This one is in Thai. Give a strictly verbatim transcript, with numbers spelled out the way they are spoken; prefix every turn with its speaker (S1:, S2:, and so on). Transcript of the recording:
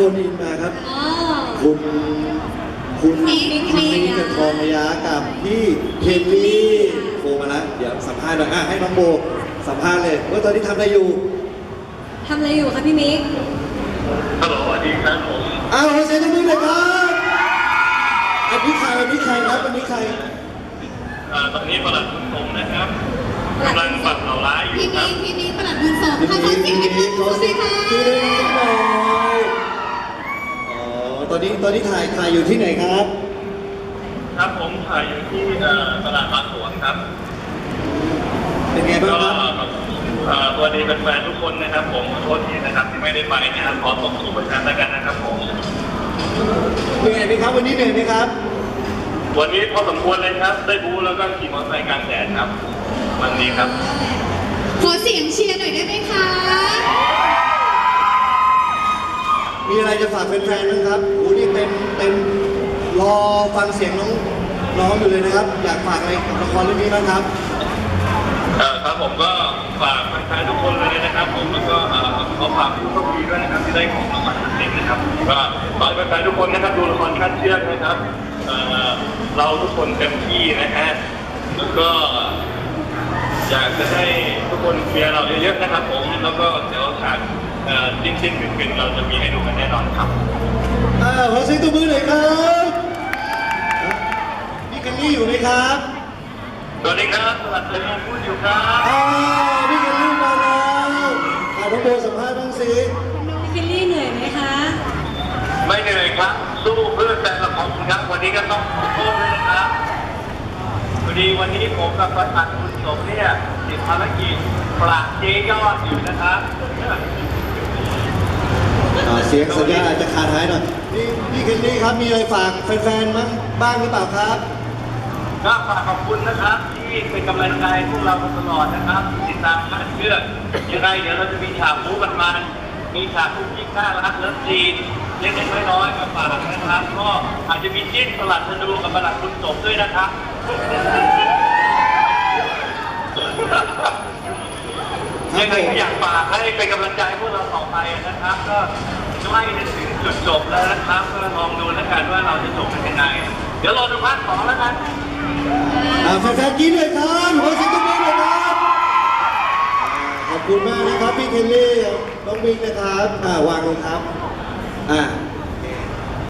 S1: นอินมาครับ
S2: อ๋อ
S1: คุณคุณ
S2: มิก
S1: คุณ
S2: มิก
S1: มิกกับทองระยะกับพี่เคลลี่โทรมาแล้วเดี๋ยวสัมภาษณ์หน่อยอ่ะให้น้องโบสัมภาษณ์เลยว่าตอนนี้ทำอะไรอยู่
S2: ทำอะไรอยู่คะพี่มิก
S3: ฮัลโหลสวัสดีครับผม
S1: อ้าวขอเสียงตบมือเลยครับอันนี้ใครอันนี้ใครครับอันนี้ใคร
S3: เอ่อตอนนี้ประหลัดคุณสมนะครับกำลังปรับเหล่าร้ายอยู่
S4: พี่
S3: ครั
S4: มิ
S3: บ
S4: กพี่มิกประหลัดบุญส่ง
S1: พี่
S4: ขอ
S1: มิ
S4: เสีย
S1: ก
S4: ง
S1: พี่
S4: ให้
S1: มิ
S4: เพื่
S1: ก
S4: อน
S1: ขอ
S4: ดู
S1: เสี
S4: สิ
S1: ยง
S4: คะ
S1: ชื่อเล่นนิดหน่อยอ๋อตอนนี้ตอนนี้ถ่ายถ่ายอยู่ที่ไหนครับ
S3: ครับผมถ่ายอยู่ที่เอ่อตลาดบางสวนครับ
S1: เป็นไงบ้าง
S3: ก็
S1: ครับ
S3: เอ่อสวัสดีแฟนๆทุกคนนะครับผมขอโทษทีนะครับที่ไม่ได้ไปนะครับขอส่งสู่ประชาชนกันนะครับผม
S1: เหนื่อยไหมครับวันนี้เหนื่อยไหมครับ
S3: วันนี้พอสมควรเลยครับได้บู๊แล้วก็ขี่มอเตอร์ไซค์กลางแดดครับวันนี้ครับ
S4: ขอเสียงเชียร์หน่อยได้ไหมคะ
S1: มีอะไรจะฝากแฟนๆบ้างครับโอ้นี่เป็นเป็นรอฟังเสียงน้องน้องอยู่เลยนะครับ อยากฝากอะไรกับละครเรื่องนี้บ้างครับ
S3: เอ่อครับผมก็ฝากแฟนๆทุกคนเลยนะครับ ผมแล้วก็เอ่อขอฝากผู้โชคดีด้วยนะครับที่ได้ของรางวัลนี้นะครับก็ขอให้แฟนๆทุกคนนะครับดูละครขั้นเชือกนะครับเอ่อเราทุกคนเต็มที่นะฮะแล้วก็อยากจะให้ทุกคนเชียร์เราเยอะๆนะครับ ผมแล้วก็เดี๋ยวฉากเอ่อจริงๆเป็นๆเราจะมีให้ดูกันแน่นอนครับ
S1: อ่าขอเสียงตบมือหน่อยครับพี่กันนี่อยู่ไหมครับ
S3: สวัสดีครับสวัสดีครับพูดอยู่ครับ
S1: อ่าพี่กันนี่มาแล้วอ่าน้องโบสัมภาษณ์บ้างสิ
S2: พี่เคลลี่เหนื่อยไหมคะ
S3: ไม่เหนื่อยครับสู้เพื่อแฟนละครครับวันนี้ก็ต้องขอโทษด้วยนะครับพอดีวันนี้ผมกับประธานคุณสมเนี่ยติดภารกิจปราบเจ๊ยอดอยู่นะครับ
S1: อ่าเสียงสัญญาณอาจจะขาดหายหน่อยพี่พี่กันนี่ครับมีอะไรฝากแฟนๆมั้งบ้างหรือเปล่าครับ
S3: ก็ฝากขอบคุณนะครับที่เป็นกำลังใจพวกเรามาตลอดนะครับติดตามคาดเชือกยังไงเดี๋ยวเราจะมีฉากรู้กันมันมีฉากคุกกี้ข้ารักเลิฟซีนเล็กๆน้อยๆมาฝากนะครับก็อาจจะมีจิ้นสลัดธนูกับประหลัดคุณสมด้วยนะครับ ยังไงก็อยากฝากให้เป็นกำลังใจพวกเราต่อไปนะครับ ก็ใกล้จะถึงจุดจบแล้วนะครับก็ลองดูแล้วกันว่าเราจะจบเป็นยังไงเดี๋ยวรอดูภาคสองแล้วกัน
S1: อ่าแฟนๆกินเลยครับขอเสียงตบมือเลยครับอ่าขอบคุณมากนะครับพี่เคลลี่น้องบิ๊กนะครับอ่าวางลงครับอ่า